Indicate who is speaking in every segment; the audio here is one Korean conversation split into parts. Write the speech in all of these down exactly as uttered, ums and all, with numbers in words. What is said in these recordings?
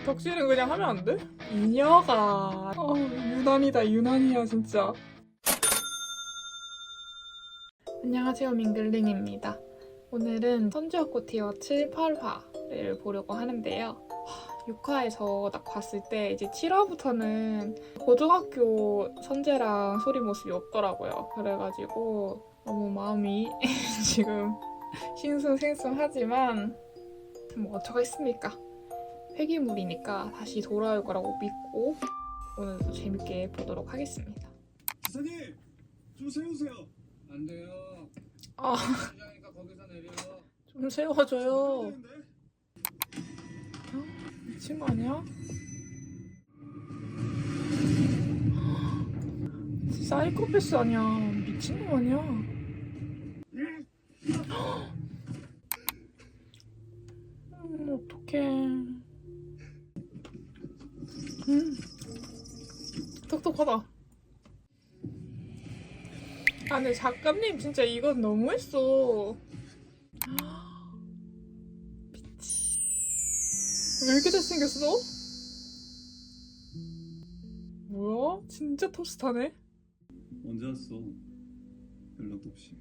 Speaker 1: 덕질은 그냥 하면 안 돼? 이녀가 어, 유난이다 유난이야 진짜. 안녕하세요, 민글링입니다. 오늘은 선지어코 티어 칠, 팔 화를 보려고 하는데요. 육 화에서 딱 봤을 때 이제 칠 화부터는 고등학교 선재랑 소리 모습이 없더라고요. 그래가지고 너무 마음이 지금 싱숭생숭하지만 뭐 어쩌겠습니까? 폐기물이니까 다시 돌아올 거라고 믿고 오늘도 재밌게 보도록 하겠습니다.
Speaker 2: 기사님! 좀 세우세요! 안 돼요.
Speaker 1: 아,
Speaker 2: 시장이니까 거기서 내려.
Speaker 1: 좀 세워줘요.
Speaker 2: 어?
Speaker 1: 미친 거 아니야? 사이코패스 아니야. 미친 거 아니야? 음, 어떡해. 음, 똑똑하다. 아, 근데 작가님 진짜 이건 너무했어. 미치. 왜 이렇게 잘생겼어? 뭐야? 진짜 톱스타네?
Speaker 2: 언제 왔어? 연락도 없이.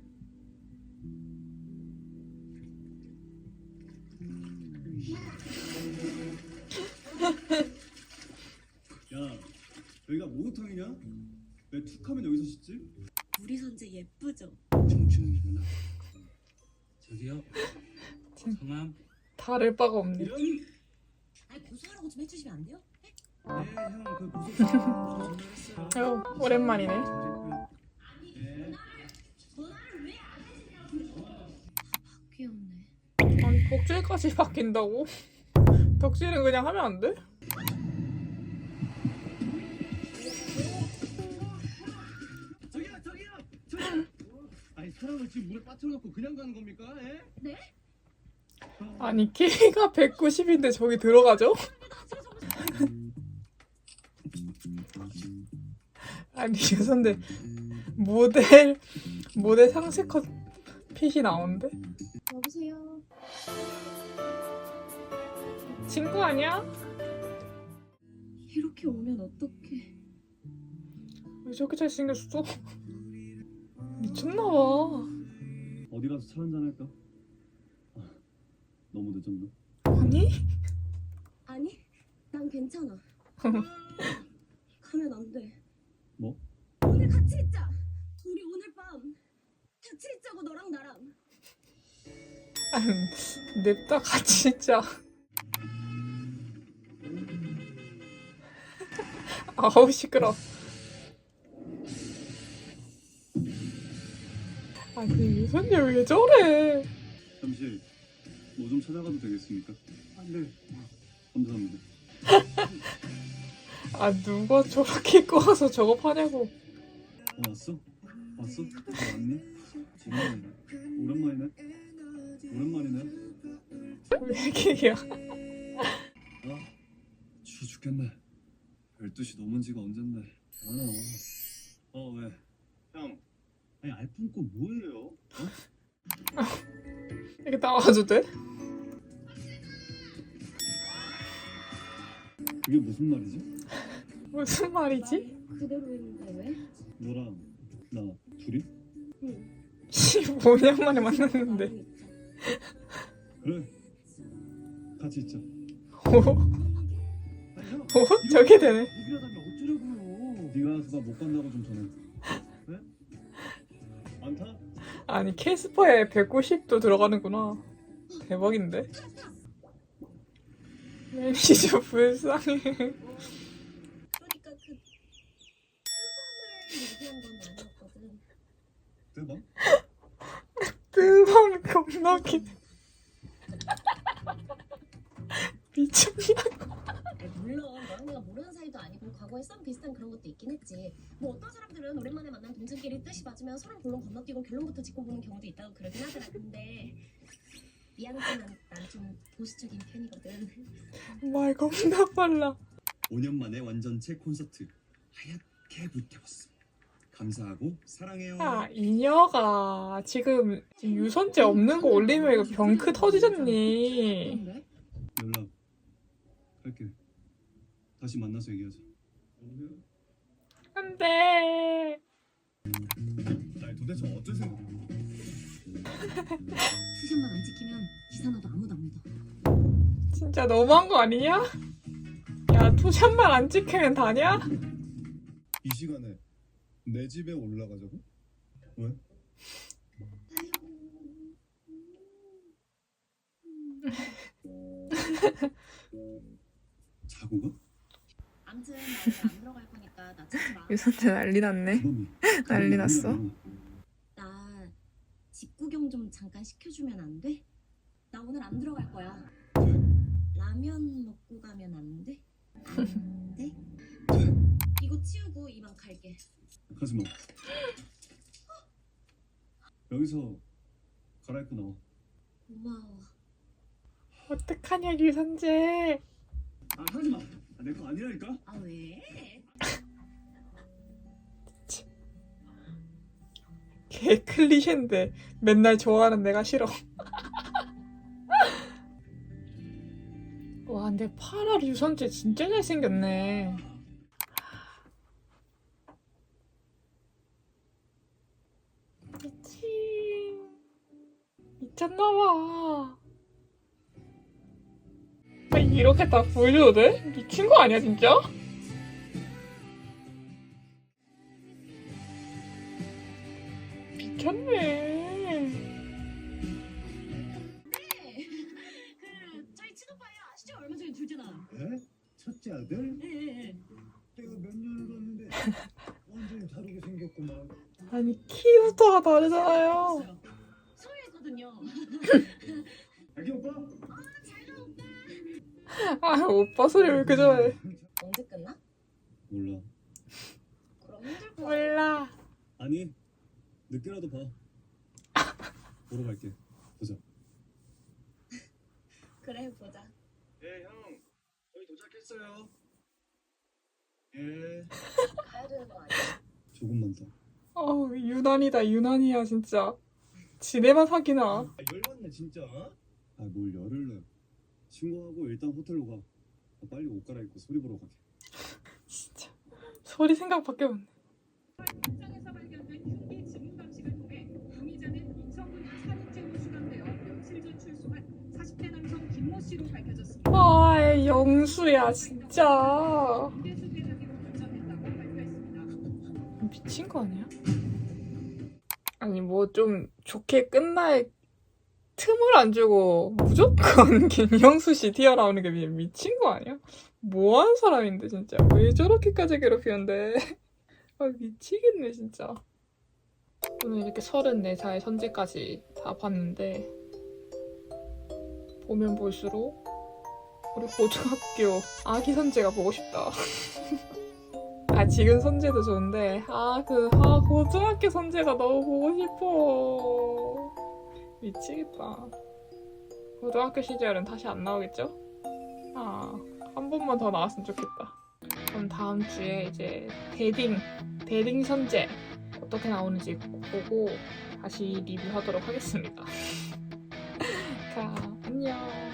Speaker 2: 야, 여기가 목욕탕이냐? 왜 툭하면 여기서 씻지?
Speaker 3: 우리 선재 예쁘죠?
Speaker 2: 청춘이구나. 저기요.
Speaker 1: 진-
Speaker 2: 성함?
Speaker 1: 다를 바가 없네.
Speaker 2: 이런?
Speaker 3: 아니 고소하라고 좀 해주시면 안 돼요?
Speaker 2: 네, 형, 그 고소 전화했어요.
Speaker 1: 아유, 오랜만이네.
Speaker 2: 네.
Speaker 3: 귀엽네.
Speaker 1: 아니, 복질까지 바뀐다고? 덕질은 그냥 하면 안 돼?
Speaker 2: 저기요, 저기요, 저기요. 아니 사람을 지금 물에 빠뜨려놓고 그냥 가는 겁니까? 예?
Speaker 3: 네?
Speaker 1: 아니, 키가 백구십인데 저기 들어가죠? 아니, 죄송한데 모델 모델 상세 컷 핏이 나오는데?
Speaker 3: 여보세요?
Speaker 1: 친구 아니야?
Speaker 3: 이렇게 오면 어떡해.
Speaker 1: 왜 저렇게 잘생겼어? 미쳤나봐.
Speaker 2: 어디 가서 차 한잔 할까? 아, 너무 늦었나?
Speaker 1: 아니?
Speaker 3: 아니 난 괜찮아. 가면 안 돼.
Speaker 2: 뭐?
Speaker 3: 오늘 같이 있자. 우리 오늘 밤 같이 있자고 너랑 나랑.
Speaker 1: 아니, 냅다 같이 진짜. 아우 시끄러. 아니 유선재 왜 저래?
Speaker 2: 잠시 뭐 좀 찾아가도 되겠습니까? 아, 네. 감사합니다.
Speaker 1: 아 누가 저렇게 입고 와서 저거 파냐고.
Speaker 2: 어, 왔어? 왔어? 어, 왔니? 오랜만이네. 오랜만이네. 오랜만이네.
Speaker 1: 왜 이렇게야?
Speaker 2: 아, 추워 죽겠네. 열두 시 넘은 지가 언젠데. 아, 어, 왜? 형, 아니 알품 거 뭐예요? 어?
Speaker 1: 이렇게 나와도 돼?
Speaker 2: 그게 무슨 말이지?
Speaker 1: 무슨 말이지?
Speaker 3: 그대로 있는데 왜?
Speaker 2: 너랑 나 둘이?
Speaker 3: 응.
Speaker 1: 십오 년 만에 만났는데.
Speaker 3: 마음이 있죠.
Speaker 2: 그래. 같이 있자.
Speaker 1: 오,
Speaker 2: 아니 형,
Speaker 1: 오 저게 되네.
Speaker 2: 이기려다면 어쩌려고요? 네가 가서 나 못 간다고 좀 전해. 네? 안 타?
Speaker 1: 아니 캐스퍼에 백구십도 들어가는구나. 대박인데? 매니저 불쌍해.
Speaker 3: 그러니까 그 뜨밤을 얘기한 건 아니었거든.
Speaker 2: 대박.
Speaker 1: 뜨밤이 겁나 기. 미쳤냐고.
Speaker 3: 아니, 물론 너랑 내가 모르는 사이도 아니고 과거에 썸 비슷한 그런 것도 있긴 했지. 뭐 어떤 사람들은 오랜만에 만난 동생끼리 뜻이 맞으면 서로 본론 건너뛰고 결론부터 짓고 보는 경우도 있다고 그러긴 하더라. 근데 미안하지만 난 좀 보수적인 편이거든.
Speaker 1: 말 겁나 빨라.
Speaker 2: 오 년 만에 완전체 콘서트 하얗게 불태웠어. 감사하고 사랑해요.
Speaker 1: 아, 이녀가 지금, 지금 유선재 없는 거 올리면 이거 병크 터지잖니.
Speaker 3: 그런데?
Speaker 2: 연락 할게. 다시 만나서 얘기하자.
Speaker 1: 안돼.
Speaker 2: 아니 도대체 어쩔 생각?
Speaker 3: 투샷만 안 지키면 기사나도 아무도 안 믿어.
Speaker 1: 진짜 너무한 거 아니냐? 야 투샷만 안 찍히면 다냐?
Speaker 2: 이 시간에 내 집에 올라가자고? 왜? 자고 가?
Speaker 3: 아무튼 나 오늘 안 들어갈 거니까 나 찾지 마.
Speaker 1: 유선재 난리 났네.
Speaker 2: 그놈이.
Speaker 1: 난리 났어.
Speaker 3: 나 집 구경 좀 잠깐 시켜주면 안 돼? 나 오늘 안 들어갈 거야.
Speaker 2: 돼.
Speaker 3: 라면 먹고 가면 안 돼? 안 돼?
Speaker 2: 돼.
Speaker 3: 이거 치우고 이만 갈게.
Speaker 2: 하지 마. 여기서 갈아입고 나와.
Speaker 3: 고마워.
Speaker 1: 어떡하냐 유선재.
Speaker 2: 아 하지 마. 아, 내 거 아니라니까.
Speaker 3: 아 왜?
Speaker 1: 개 클리셰인데 맨날 좋아하는 내가 싫어. 와 근데 파라 유선재 진짜 잘생겼네. 미치 미쳤나봐. 아, 이렇게 다 보여줘도 돼? 미친 거 아니야 진짜? 미쳤네.
Speaker 3: 그 저희 친오빠예요. 아시죠? 얼마 전에 둘째 나.
Speaker 2: 에? 첫째 아들?
Speaker 3: 예.
Speaker 2: 내가 몇 년을 봤는데 완전히 다르게 생겼구만.
Speaker 1: 아니 키부터가 다르잖아요.
Speaker 3: 서울이거든요.
Speaker 2: 아기 오빠?
Speaker 1: 아 오빠 소리 왜 이렇게 좋아해?
Speaker 3: 언제 끝나?
Speaker 2: 몰라.
Speaker 3: 그럼 힘들 거야.
Speaker 1: 몰라.
Speaker 2: 아니 늦게라도 봐. 보러 갈게. 보자.
Speaker 3: 그래 보자.
Speaker 2: 예 형. 저희 도착했어요. 예.
Speaker 3: 가야 되는 거 아니야?
Speaker 2: 조금만 더.
Speaker 1: 어우 유난이다 유난이야 진짜. 지네만 사귀나.
Speaker 2: 아, 열받네 진짜. 아 뭘 열을 내. 친구하고 일단 호텔로 가. 아, 빨리 옷 갈아입고 소리 보러 가게.
Speaker 1: 진짜 소리 생각밖에 없네.
Speaker 4: 현장에서 발견된 흉기 지문 감식을 통해 용의자는 이천구 년 살인죄로 수감되어 며칠 전 출소한 사십 대 남성 김모 씨로 밝혀졌습니다.
Speaker 1: 아 영수야 진짜.
Speaker 4: 임대수 대장으로 결정했다고 발표했습니다.
Speaker 1: 미친 거 아니야? 아니 뭐 좀 좋게 끝날 틈을 안 주고 무조건 김영수 씨 튀어나오는 게 미- 미친 거 아니야? 뭐 하는 사람인데 진짜 왜 저렇게까지 괴롭히는데? 아 미치겠네 진짜. 오늘 이렇게 서른네 살 선재까지 다 봤는데 보면 볼수록 우리 고등학교 아기 선재가 보고 싶다. 아 지금 선재도 좋은데 아 그 아, 고등학교 선재가 너무 보고 싶어. 미치겠다. 고등학교 시절은 다시 안 나오겠죠? 아, 한 번만 더 나왔으면 좋겠다. 그럼 다음 주에 이제 데딩, 데딩 선재 어떻게 나오는지 보고 다시 리뷰하도록 하겠습니다. 자, 안녕.